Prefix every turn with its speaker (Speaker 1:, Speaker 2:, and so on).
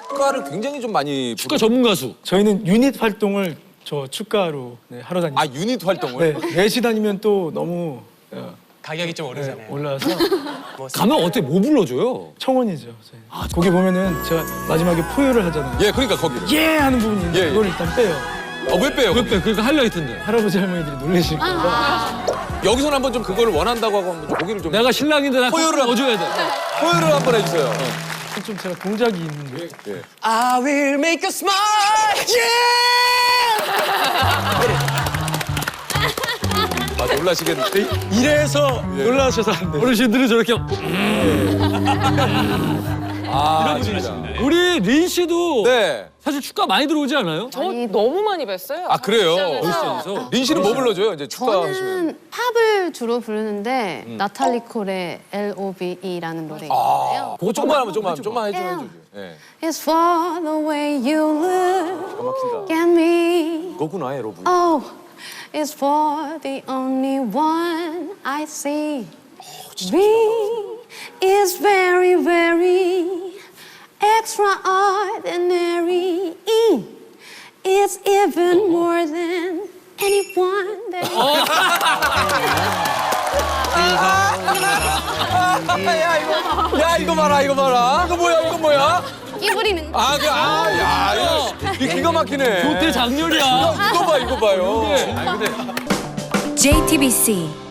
Speaker 1: 축가를 굉장히 좀 많이
Speaker 2: 축가 전문 가수.
Speaker 3: 저희는 유닛 활동을 저 축가로 하러 다니고.
Speaker 1: 아 유닛 활동을?
Speaker 3: 네, 넷이 다니면 또 너무
Speaker 4: 가격이 좀 오르잖아요.
Speaker 3: 올라서
Speaker 2: 가면 어때? 뭐 불러줘요?
Speaker 3: 청혼이죠. 저희. 거기 보면은 제가 마지막에 포효를 하잖아요.
Speaker 1: 예, 그러니까 거기를.
Speaker 3: 예 하는 부분이 있는데
Speaker 1: 예, 예.
Speaker 3: 그걸 일단 빼요.
Speaker 1: 왜 빼요?
Speaker 2: 왜 빼? 그러니까 하이라이트인데.
Speaker 3: 할아버지 할머니들이 놀라실 거예요.
Speaker 1: 여기서는 한번 좀 그걸 원한다고 하고 한번 좀 고기를 좀
Speaker 2: 내가 신랑인데 나
Speaker 1: 포효를
Speaker 2: 넣어줘야 돼.
Speaker 1: 포효를 한번 해주세요.
Speaker 3: 좀 제가 동작이 있는데
Speaker 1: 예.
Speaker 4: I will make you smile.
Speaker 1: 아 놀라시겠는데?
Speaker 3: 이래서 놀라셔서 안 돼요.
Speaker 2: 어르신들은 저렇게
Speaker 1: 아 진짜.
Speaker 2: 우리 린 씨도
Speaker 1: 네.
Speaker 2: 사실 축가 많이 들어오지 않아요?
Speaker 5: 저 너무 많이 뵀어요.
Speaker 1: 아 그래요?
Speaker 2: 그래서
Speaker 1: 린 씨는 뭐 불러줘요? 이제 축가 하시면.
Speaker 6: 저는 팝을 주로 부르는데 나탈리 콜의 L.O.V.E라는 노래 있는데요.
Speaker 1: 그거 조금만 하면 좀만 해줘야죠. 예.
Speaker 6: It's for the way you look at me.
Speaker 1: 그거구나 여러분.
Speaker 6: Oh, it's for the only one I see. Me is very, very extraordinary. It's even more than anyone that
Speaker 1: 야 이거 봐라 이거 뭐야 이거 뭐야?
Speaker 6: 끼부리는 거.
Speaker 1: 이 기가 막히네.
Speaker 2: 교태 장렬이야.
Speaker 1: 이거 봐요.
Speaker 2: 아니 근데
Speaker 7: JTBC